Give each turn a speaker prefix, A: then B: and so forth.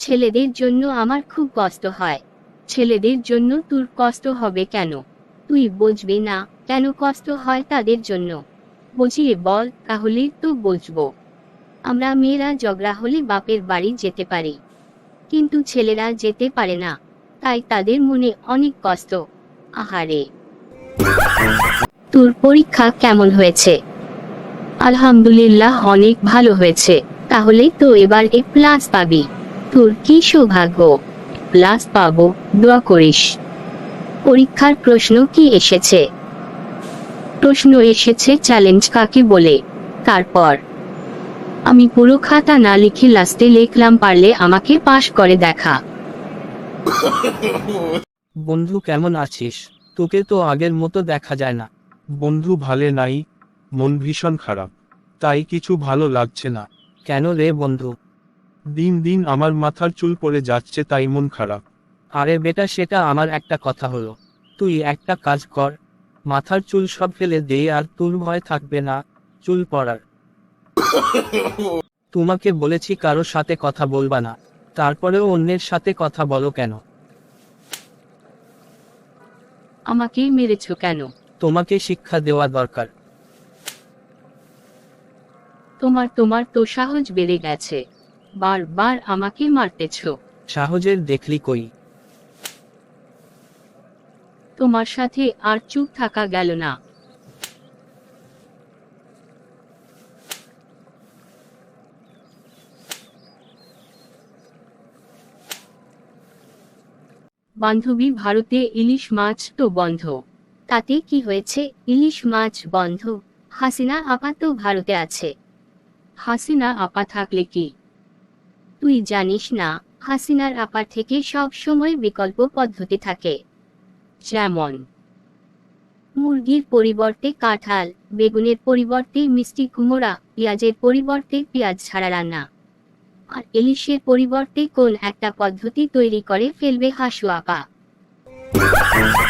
A: ছেলেদের জন্য আমার খুব কষ্ট হয়। ছেলেদের জন্য তোর কষ্ট হবে কেন? তুই বুঝবি না কেন কষ্ট হয় তাদের জন্য। বুঝিয়ে বল, তাহলেই তো বুঝবো। আমরা মেয়েরা ঝগড়া হলে বাপের বাড়ি যেতে পারি, কিন্তু ছেলেরা যেতে পারে না, তাই তাদের মনে অনেক কষ্ট। আহারে। তোর পরীক্ষা কেমন হয়েছে? আলহামদুলিল্লাহ, অনেক ভালো হয়েছে। তাহলে তো এবার A+ পাবি। তোর কি সৌভাগ্য, প্লাস পাবো, দোয়া করিস। পরীক্ষার প্রশ্ন কি এসেছে? প্রশ্ন এসেছে চ্যালেঞ্জ কাকে বলে। তারপর আমি পুরো খাতা না লিখে লাস্টে লিখলাম পারলে আমাকে পাশ করে দেখা।
B: বন্ধু কেমন আছিস? তোকে তো আগের মতো দেখা যায় না।
C: বন্ধু ভালে নাই, মন ভীষণ খারাপ, তাই কিছু ভালো লাগছে না।
B: কেন রে বন্ধু?
C: দিন দিন আমার মাথার চুল পড়ে যাচ্ছে, তাই মন খারাপ।
B: আরে বেটা, সেটা আমার একটা কথা হলো। তুই একটা কাজ কর, মাথার চুল সব ফেলে দে, আর তোর ভয় থাকবে না চুল পড়ার। তোমাকে বলেছি কারো সাথে কথা বলবা না, তারপরেও অন্যের সাথে কথা বলো কেন?
A: আমাকে মেরেছো কেন?
B: তোমাকে শিক্ষা দেওয়া দরকার।
A: তোমার তো সাহস বেড়ে গেছে, বারবার আমাকে মারতেছো।
B: সাহসের দেখলি কই?
A: তোমার সাথে আর চুপ থাকা গেল না। বান্ধবী, ভারতে ইলিশ মাছ তো বন্ধ। তাতে কি হয়েছে? ইলিশ মাছ বন্ধ, হাসিনা আপা তো ভারতে আছে। হাসিনা আপা থাকলে কি? তুই জানিস না, হাসিনার আপার থেকে সব সময় বিকল্প পদ্ধতি থাকে। যেমন মুরগির পরিবর্তে কাঁঠাল, বেগুনের পরিবর্তে মিষ্টি কুমড়া, পেঁয়াজের পরিবর্তে পেঁয়াজ ছাড়া রান্না, আর ইলিশের পরিবর্তে কোন একটা পদ্ধতি তৈরি করে ফেলবে হাসু আপা।